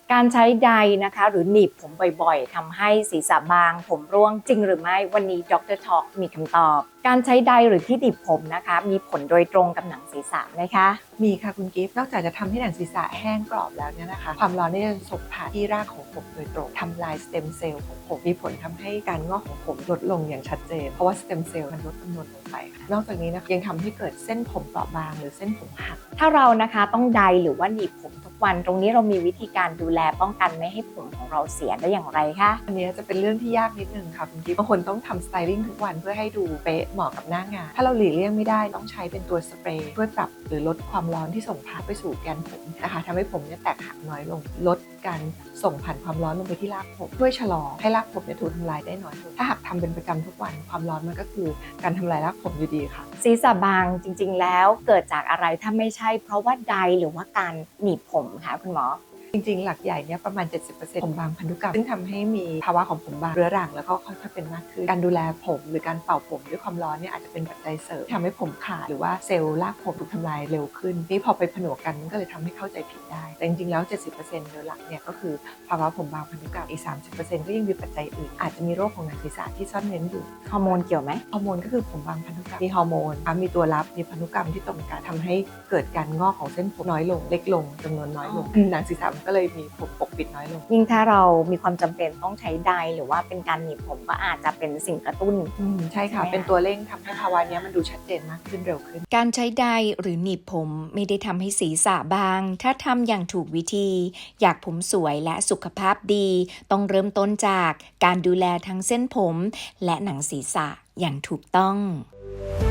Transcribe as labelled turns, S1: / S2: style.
S1: การใช้ไดร์นะคะหรือหนีบผมบ่อยๆทำให้ศีรษะบางผมร่วงจริงหรือไม่วันนี้ดร. Talk มีคำตอบการใช้ไดร์หรือที่หนีบผมนะคะมีผลโดยตรงกับหนังศีรษะไหมคะ
S2: มีค่ะคุณกิฟต์นอกจากจะทำให้หนังศีรษะแห้งกรอบแล้วเนี่ยนะคะความร้อนได้ส่งผ่านที่รากของผมโดยตรงทำลายสเต็มเซลล์ของผมมีผลทำให้การงอกของผมลดลงอย่างชัดเจนเพราะว่าสเต็มเซลล์มันลดจำนวนลงไปนอกจากนี้นะคะยังทำให้เกิดเส้นผมเปราะบางหรือเส้นผมหัก
S1: ถ้าเรานะคะต้องไดร์หรือว่าหนีบผมทุกวันตรงนี้เรามีวิธีการดูแลป้องกันไม่ให้ผมของเราเสียได้อย่างไรคะ
S2: อันนี้จะเป็นเรื่องที่ยากนิดนึงค่ะคุณกิฟต์บางคนต้องทำสไตลิ่งทุกวันเพื่อให้ดูเป๊ะเหมาะกับหน้างานถ้าเราหลีกเลี่ยงไม่ได้ต้องใช้เป็นตัวสเปรย์ช่วยปรับหรือลดความร้อนที่ส่งผ่านไปสู่แกนผมนะคะทำให้ผมเนี่ยแตกหักน้อยลงลดการส่งผ่านความร้อนลงไปที่รากผมช่วยชะลอให้รากผมเนี่ยถูกทำลายได้น้อยลงถ้าหากทำเป็นประจำทุกวันความร้อนมันก็คือการทำลายรากผมอยู่ดีค่ะ
S1: ศีรษะบางจริงๆแล้วเกิดจากอะไรถ้าไม่ใช่เพราะว่าไดร์หรือว่าการหนีบผมคะคุณหมอ
S2: จริงๆหลักใหญ่เนี่ยประมาณ 70% ผมบางพันธุกรรมซึ่งทำให้มีภาวะของผมบางเรื้อรังแล้วก็ค่อยๆเป็นมากขึ้นการดูแลผมหรือการเป่าผมด้วยความร้อนเนี่ยอาจจะเป็นปัจจัยเสริมทำให้ผมขาดหรือว่าเซลล์รากผมถูกทำลายเร็วขึ้นนี่พอไปผนวกกันมันก็เลยทำให้เข้าใจผิดได้แต่จริงๆแล้ว 70% โดยหลักเนี่ยก็คือภาวะผมบางพันธุกรรมอีก 30% ก็ยังมีปัจจัยอื่นอาจจะมีโรคของหนังศีรษะที่ซ่อนเร้นอยู่
S1: ฮอร์โมนเกี่ยวไหม
S2: ฮอร์โมนก็คือผมบางพันธุกรรมมีฮอร์โมนมีตัวรับมีพันธุกรรมที่ตรงกันทำให้เกิดการงอกของเส้นผมน้อยลงเล็กลงจำนวนน้อยลงหนังศีรษะมันก็เลยมีผมปกปิดน้อยลง
S1: ยิ่งถ้าเรามีความจำเป็นต้องใช้ไดร์หรือว่าเป็นการหนีบผมก็อาจจะเป็นสิ่งกระตุ้น
S2: ใช่ค่ะเป็นตัวเร่งทำให้ภาวะนี้มันดูชัดเจนมากขึ้นเร็วขึ้น
S3: การใช้ไดร์หรือหนีบผมไม่ได้ทำให้ศีรษะบางถ้าทำอย่างถูกวิธีอยากผมสวยและสุขภาพดีต้องเริ่มต้นจากการดูแลทั้งเส้นผมและหนังศีรษะอย่างถูกต้อง